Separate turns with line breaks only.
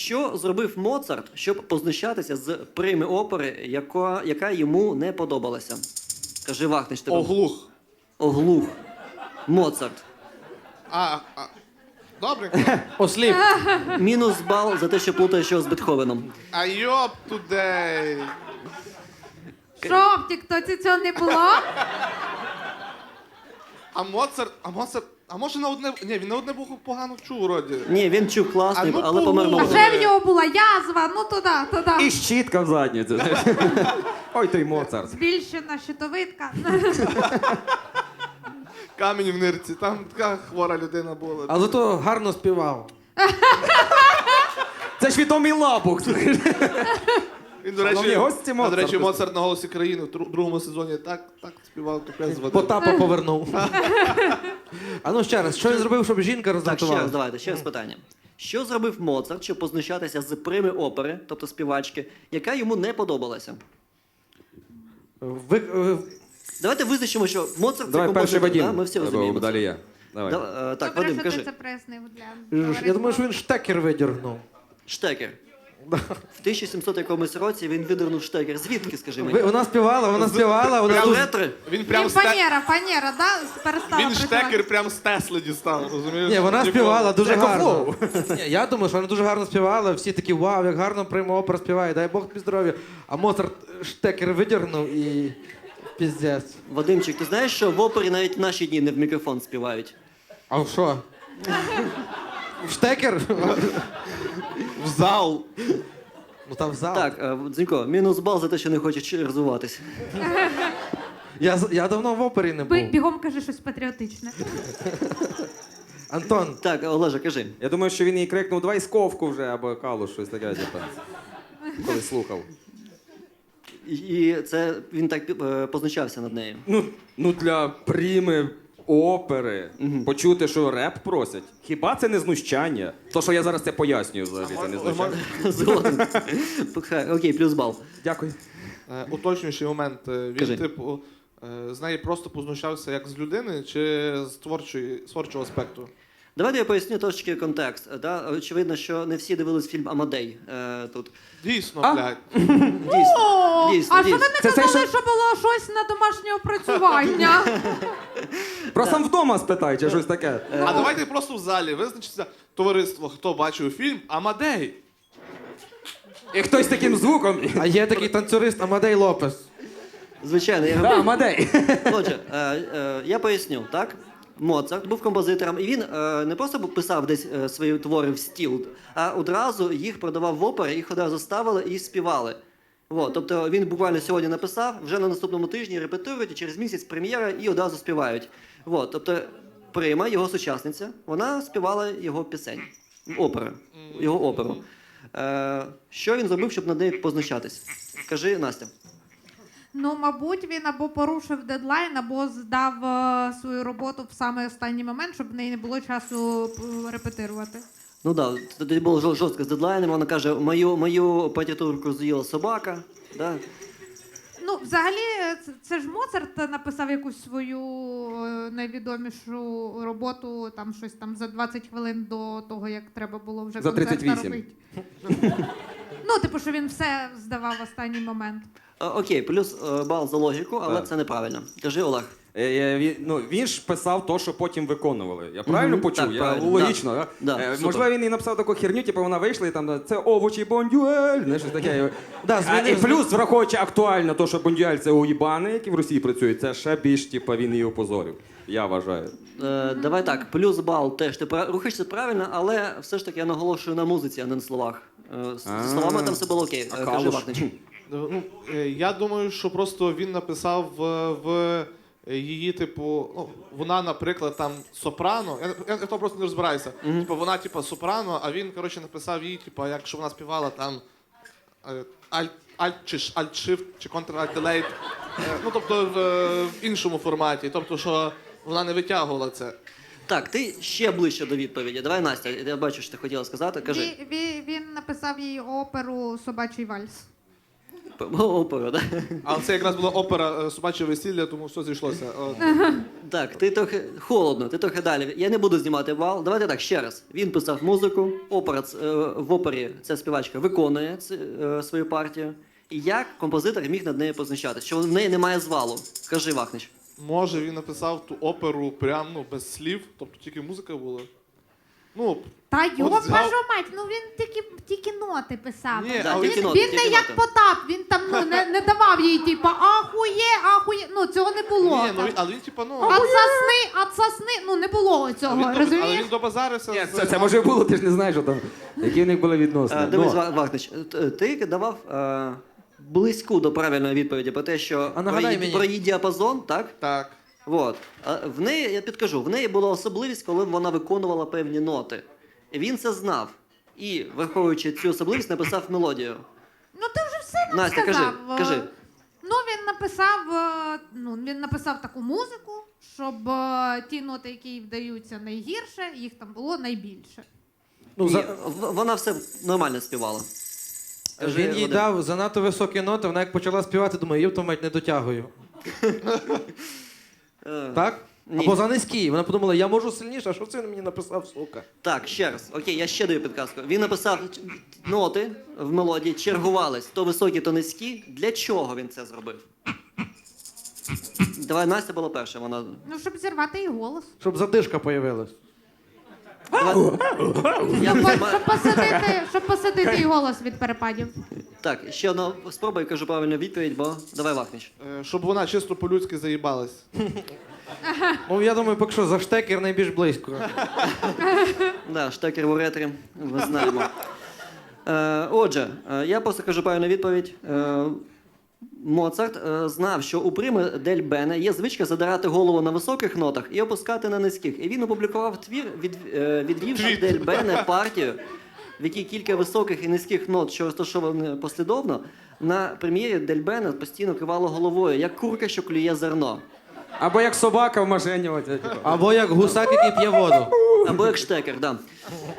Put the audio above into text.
Що зробив Моцарт, щоб познущатися з прими опери, яка йому не подобалася? Кажи, Вахнич, тебе.
Оглух.
Оглух. Моцарт.
Добре.
Осліп.
Мінус бал за те, що плутаєш його з Бетховеном.
А йоп тудей.
Що, в тіктоці цього не було?
А може на одне... Ні, він на одне вухо погано чув, вроді.
Ні, він чув класний,
А ну
але помер
полу.
А
молодим.
ще в нього була язва, ну туди.
І щітка в задницю. Ой, той Моцарт.
Збільшена щитовидка.
Камінь в нирці, там така хвора людина була.
Але то гарно співав.
Це ж відомий лапух.
Він, до
Шановні
речі,
гості,
до речі,
Моцарт.
Моцарт на «Голосі країни» в другому сезоні так співав, капець води.
Потапа повернув. А ну ще раз, що він зробив, щоб жінка
Так, ще раз,
роздратувала?
давайте, ще раз питання. Що зробив Моцарт, щоб познущатися з прими опери, тобто співачки, яка йому не подобалася? Давайте визначимо, що Моцарт це
Давай перший
композитор,
Вадим.
да? Ми всі розуміємо.
Далі
це.
я. Давай.
Так,
Добре,
Вадим,
що ти
кажи.
це прояснив для
Я думаю, що він штекер видіргнув.
Штекер. В 1700 якомусь році він видернув штекер. Звідки, скажи мені?
Вона співала, вона
Прям
тут...
ретри?
Він прям
Він
з Те-
фанера, да? Перестала
Він
працювати.
штекер прям з Тесли дістав, розумієш?
Ні, вона
Типу,
співала дуже
Як
гарно. Ні, я думаю, що вона дуже гарно співала, всі такі, вау, як гарно прямо опера співає, дай Бог тобі здоров'я. А Моцарт штекер видіргнув і піздець.
Вадимчик, ти знаєш, що в опері навіть в наші дні не в мікрофон співають?
А в що? В штекер?
В зал.
Ну там в зал.
Так, Дзінько, мінус бал за те, що не хочеш розвиватись.
Я давно в опері не був.
Бігом кажи щось патріотичне.
Антон,
Так, Олежа, кажи.
Я думаю, що він їй крикнув, давай сковку вже, або калу, щось таке, типу. Коли слухав.
І це він так позначався над нею.
Ну для пріми опери почути, що реп просять. Хіба це не знущання? То, що я зараз це пояснюю, взагалі, це не знущання.
Згоден. Окей, плюс бал.
Дякую.
Уточнюючий момент. Він,
Кажи.
типу, з неї просто познущався як з людини чи з творчого аспекту?
Давайте я поясню трошки контекст. Да? Очевидно, що не всі дивились фільм «Амадей» тут.
Дійсно,
А?
блядь.
Дійсно, дійсно,
А що ви
дійсно.
не
Це
казали,
цей,
що було щось на домашнє опрацювання?
Про сам вдома спитай, чи щось таке.
А давайте просто в залі визначиться товариство, хто бачив фільм «Амадей».
І хтось таким звуком.
а є такий танцюрист Амадей Лопес.
Звичайно, я
Да, Мадей.
Отже, я поясню, так? Моцарт був композитором, і він не просто писав десь свої твори в стіл, а одразу їх продавав в опері, їх одразу ставили і співали. Вот, тобто він буквально сьогодні написав, вже на наступному тижні репетирують, і через місяць прем'єра і одразу співають. Вот, тобто Прима, його сучасниця, вона співала його пісень, його оперу. Що він зробив, щоб над нею позначатись? Кажи, Настя.
Ну, мабуть, він або порушив дедлайн, або здав свою роботу в самий останній момент, щоб в неї не було часу репетирувати.
Ну так, тоді було жорстко з дедлайном, вона каже, мою партитурку з'їла собака. Да?
Ну, взагалі, це ж Моцарт написав якусь свою найвідомішу роботу, там щось там за 20 хвилин до того, як треба було вже
За
концерт
38.
робити. Ну, типу, що він все здавав в останній момент.
Окей, плюс бал за логіку, але
Так.
це неправильно. Кажи, Олег.
Він ж писав то, що потім виконували. Я правильно почув?
Так,
Я
правильно.
логічно,
Да.
да?
Да, супер.
Можливо, він і написав таку херню, типу вона вийшла і там це овочі бондюель, знаєш, щось таке.
Да,
І плюс, враховуючи актуально то, що бондюель це уїбани, які в Росії працюють, це ще більш, типу, він її опозорив. Я вважаю.
Давай так, плюс бал теж. Ти рухаєшся правильно, але все ж таки я наголошую на музиці, а не на словах. З словами там все було окей.
А
Кажи,
Калуш?
Вахнич.
Ну, я думаю, що просто він написав в її, типу, ну, вона, наприклад, там сопрано. Я в тому просто не розбираюся. Типу, вона, типу, сопрано, а він, коротше, написав їй, типу, якщо вона співала там альт-shift чи контр-альт-делейт. Ну, тобто в іншому форматі. Тобто, що вона не витягувала це.
Так, ти ще ближче до відповіді. Давай, Настя, я бачу, що ти хотіла сказати. Кажи.
Він написав їй оперу «Собачий вальс».
Оперу, да?
Але це якраз була опера «Собаче весілля», тому все зійшлося.
Так, ти трохи холодно, ти трохи далі. Я не буду знімати бал. Давайте так, ще раз. Він писав музику, в опері ця співачка виконує свою партію. І як композитор міг над нею позначатися? Що в неї немає звалу? Кажи, Вахнич.
Може, він написав ту оперу прям без слів, тобто тільки музика була. Ну,
Та йо,
От взяв-
кажу мать, ну він тільки ноти писав.
Ні,
Да,
але
тільки
Він,
ноти,
він
тільки
не як
ноти.
Потап, він там не давав їй, типу, ахує, ну цього не було.
ні, ну, але він типа, ну...
Отсосни, ну не було цього,
але
розумієш?
він добазарився.
Ні, це може було, ти ж не знаєш, що там, які в них були відносини.
Дивись,
Ну,
Вахнич, ти давав близьку до правильної відповіді про те, що
А нагадай мені.
про її діапазон, так?
Так.
От. А в неї, я підкажу, в неї була особливість, коли вона виконувала певні ноти. І він це знав. І, враховуючи цю особливість, написав мелодію.
Ну ти вже все нам
Настя, кажи,
сказав.
кажи.
Ну він написав таку музику, щоб ті ноти, які вдаються найгірше, їх там було найбільше.
Ну,
Ні, вона все нормально співала. Кажи,
він їй
Вадим.
дав занадто високі ноти, вона як почала співати, думає, євто мать не дотягую. Так?
Ні.
Або за низькі. Вона подумала, я можу сильніше, а що це він мені написав, сука?
Так, ще раз. Окей, я ще даю підказку. Він написав ноти в мелодії, чергувались, то високі, то низькі. Для чого він це зробив? Давай, Настя була перша, вона.
Ну, щоб зірвати її голос.
Щоб задишка появилась.
Я
Щоб посадити її голос від перепадів.
Так, ще одна спроба і кажу правильну відповідь, бо давай Вахнич.
Щоб вона чисто по-людськи заїбалась.
Ну, я думаю, поки що за штекер найбільш близько.
Да, штекер в уретрі, ми знаємо. Отже, я просто кажу правильну відповідь. Моцарт знав, що у прими дель Бене є звичка задирати голову на високих нотах і опускати на низьких. І він опублікував твір, відвівши дель Бене партію, в якій кілька високих і низьких нот, що розташовані послідовно, на прем'єрі дель Бене постійно кивало головою, як курка, що клює зерно.
або як собака в машині. Типу.
Або як гусак, який п'є воду.
Або як штекер, да.